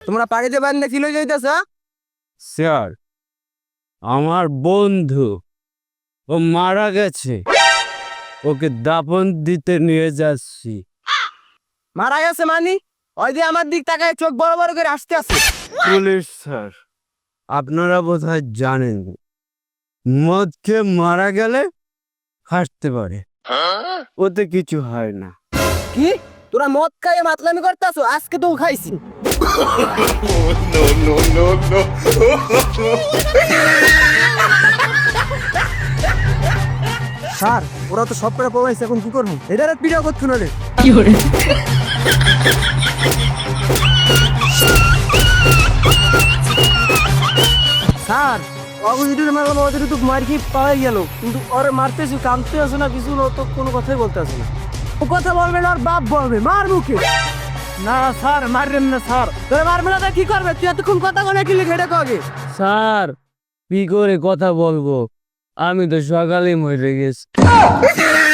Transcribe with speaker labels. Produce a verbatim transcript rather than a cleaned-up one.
Speaker 1: তোমরা পাড়িতে বান্ধে কি লই যাইতেছ?
Speaker 2: স্যার, আমার বন্ধু ও মারা গেছে, ওকে দাফন দিতে নিয়ে যাচ্ছি।
Speaker 1: মারা গেছে মানি? ওই যে আমার দিক তাকায় চোখ বড় বড় করে আসতে আছে।
Speaker 2: পুলিশ স্যার, আপনারা বোধহয় জানেন মদ খেয়ে মারা গেলে হাসতে পারে, ওতে কিছু হয় না।
Speaker 1: কি তোরা মদ খাইয়ে মাতলামি করতেছ? আজকে তো খাইছি। স্যার, ওরা তো সব করে পড়াইছে, এখন কি করবো? এটার পিড়া করছো না রে। স্যার, অবজিটের মারলাম, ওদের তো মার কি পাওয়াই গেল, কিন্তু ওর মারতেছি, কামতে আসে না, কিছু না, তো কোনো কথাই বলতে আসে না। ও কথা বলবে না, ওর বাপ বলবে, মার মুখে। না স্যার, মারবেন না স্যার। তোরা মারবে না, তা কি করবে? তুই এতক্ষণ কথা বলে কি লিখে এটা কগে?
Speaker 2: স্যার, কি করে কথা বলবো, আমি তো সকালেই মরে গেছি।